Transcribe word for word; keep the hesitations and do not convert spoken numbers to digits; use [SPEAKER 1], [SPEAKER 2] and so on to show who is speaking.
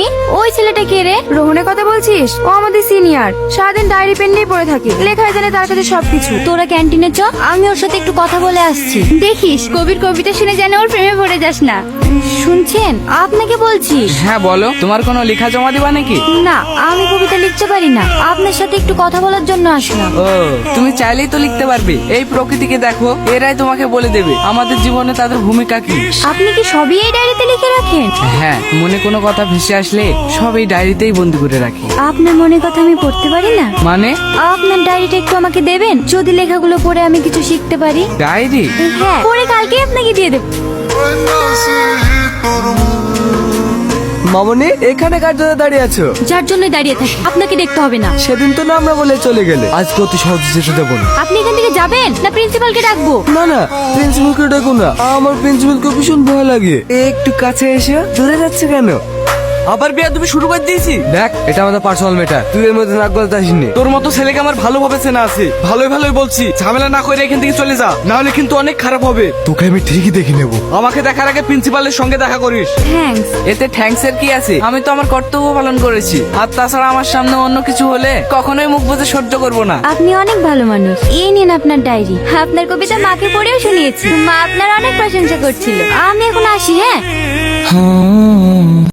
[SPEAKER 1] ওই ছেলেটা কে রে?
[SPEAKER 2] রোহনের কথা বলছিস? ও আমাদের সিনিয়র, সারাদিন ডায়েরি পেন নিয়ে পড়ে থাকে, লেখায় জানে তার কাছে সবকিছু।
[SPEAKER 1] তোরা ক্যান্টিনে চ, আমি ওর সাথে একটু কথা বলে আসছি। দেখিস কবির কবিতা শুনে যেন ওর প্রেমে পড়ে যাস না। শুনছেন, আপনাকে বলছি।
[SPEAKER 3] হ্যাঁ বলো, তোমার কোনো লেখা জমা দিবা নাকি?
[SPEAKER 1] না, আমি কবিতা লিখতে পারি না, আপনার সাথে একটু কথা বলার জন্য আসলাম।
[SPEAKER 3] ও, তুমি চাইলেই তো লিখতে পারবে। এই প্রকৃতিকে দেখো, এরাই তোমাকে বলে দেবে আমাদের জীবনে তাদের ভূমিকা কি।
[SPEAKER 1] আপনি কি সবই এই ডায়েরিতে লিখে রাখেন?
[SPEAKER 3] হ্যাঁ, মনে কোনো কথা ভেসে আসলে সব এই ডায়েরিতেই বন্দি করে রাখি।
[SPEAKER 1] আপনার মনের কথা আমি পড়তে পারি না?
[SPEAKER 3] মানে?
[SPEAKER 1] আপনার ডায়েরিটা একটু আমাকে দেবেন, যদি লেখাগুলো পড়ে আমি কিছু শিখতে পারি।
[SPEAKER 3] ডায়েরি?
[SPEAKER 1] হ্যাঁ, পড়ে কালকে আপনাকে দিয়ে দেব।
[SPEAKER 4] মামনি, এখানে কার জন্য দাঁড়িয়ে আছো?
[SPEAKER 1] যার জন্য দাঁড়িয়ে থাকি, আপনাকে দেখতে হবে না।
[SPEAKER 4] সেদিন তো না আমরা বলে চলে গেলে, আজকে অতি সহজে যেতে দেবো না।
[SPEAKER 1] আপনি এখান থেকে যাবেন না প্রিন্সিপালকে ডাকবো?
[SPEAKER 4] না না, প্রিন্সিপালকে ডাকো না, আমার প্রিন্সিপালকে ভীষণ ভয় লাগে। একটু কাছে এসে দূরে যাচ্ছে কেন?
[SPEAKER 5] আবার বিয়া তুমি শুরু করে দিয়েছি।
[SPEAKER 4] দেখ, এটা আমাদের পার্সোনাল ম্যাটার, তুই এর মধ্যে নাক গলাতে আসিনি।
[SPEAKER 5] তোর মতো ছেলেকে আমার ভালোভাবে চেনা আছে, ভালোই ভালোই বলছি, ঝামেলা না করে এখান থেকে চলে যা, না হলে কিন্তু অনেক খারাপ হবে।
[SPEAKER 4] তোকে আমি ঠিকই দেখে নেবো।
[SPEAKER 5] আমাকে দেখার আগে প্রিন্সিপালের সঙ্গে দেখা করিস।
[SPEAKER 1] থ্যাঙ্কস।
[SPEAKER 3] এতে থ্যাঙ্কস এর কি আছে? আমি তো আমার কর্তব্য পালন করেছি। আর তাছাড়া আমার সামনে অন্য কিছু হলে কখনোই মুখ বুজে সহ্য করব না।
[SPEAKER 1] আপনি অনেক ভালো মানুষ। এই নিন আপনার ডায়েরি, আপনার কবিতা মাকে পড়েও শুনিয়েছি, মা আপনার অনেক প্রশংসা করছিল। আমি এখন আসি। হ্যাঁ,